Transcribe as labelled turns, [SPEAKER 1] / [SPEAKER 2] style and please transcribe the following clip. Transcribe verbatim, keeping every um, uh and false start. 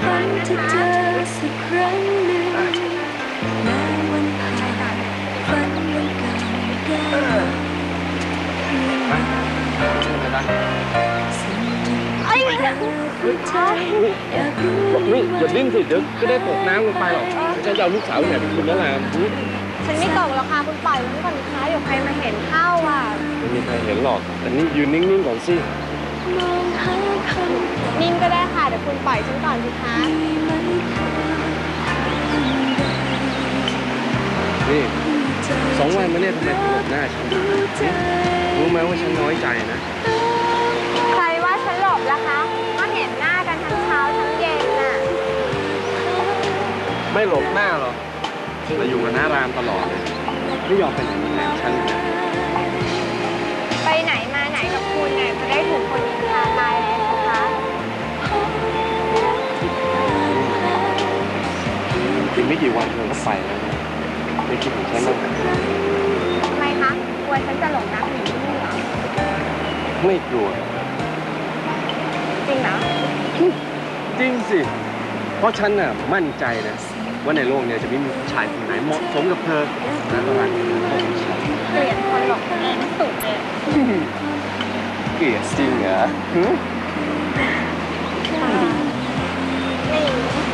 [SPEAKER 1] ฝันจะเจอสักครั้งหนึ่งแม้วันผ่านฝันวันเก่าได้ไอ้นี่
[SPEAKER 2] อย่าดิ้นสิเดี๋ยวก็ได้ตกน้ำลงไปหรอกฉันจะเอาลูกสาวเนี่ยไปคืนแล้วล่ะ
[SPEAKER 3] ฉันไม่ตกหรอกค่ะคุณปล่อยมันก่อนนะคะเดี๋ยวใครมาเห็นเข้าอ่ะ
[SPEAKER 2] ไม่มีใครเห็นหรอกแต่นี่ยืนนิ่งๆก่อนสิ
[SPEAKER 3] นิ่งก็ได้ค่ะเดี๋ยวคุณปล่อยฉันก่อนสิคะ
[SPEAKER 2] นี่สองวันมาเนี่ยทำไมถึงหลบหน้าฉันรู้ไหมว่าฉันน้อยใจนะ
[SPEAKER 3] ใครว่าฉันหลบล่ะคะก็เห็นหน้ากันทั้งเช้าทั้งเย็นน่ะ
[SPEAKER 2] ไม่หลบหน้าหรอกแต่อยู่กับน้ารามตลอดเลยไม่ยอมไปไหนมาไหนฉัน
[SPEAKER 3] ไปไหนมาไหนกับคุณเนี่ยจะได้ถูกคนนินทาตายเลยนะคะ
[SPEAKER 2] อีกไม่กี่วันเธอก็ไปแล้วนะไม่คิดถึงฉันบ้าง
[SPEAKER 3] ทำไมคะกลัวฉันจะหลงรักอยู่ที่นี่เหรอ
[SPEAKER 2] ไม่กลัว
[SPEAKER 3] จริงเหรอ
[SPEAKER 2] จริงสิเพราะฉันน่ะมั่นใจนะว่าในโลกนี้จะไม่มีผู้ชายคนไหนเหมาะสมกับเธอและตลาดของฉัน
[SPEAKER 3] เกลียดคนหลงเองสุดเลย
[SPEAKER 2] เกลียดจริงเหรอ
[SPEAKER 3] นี่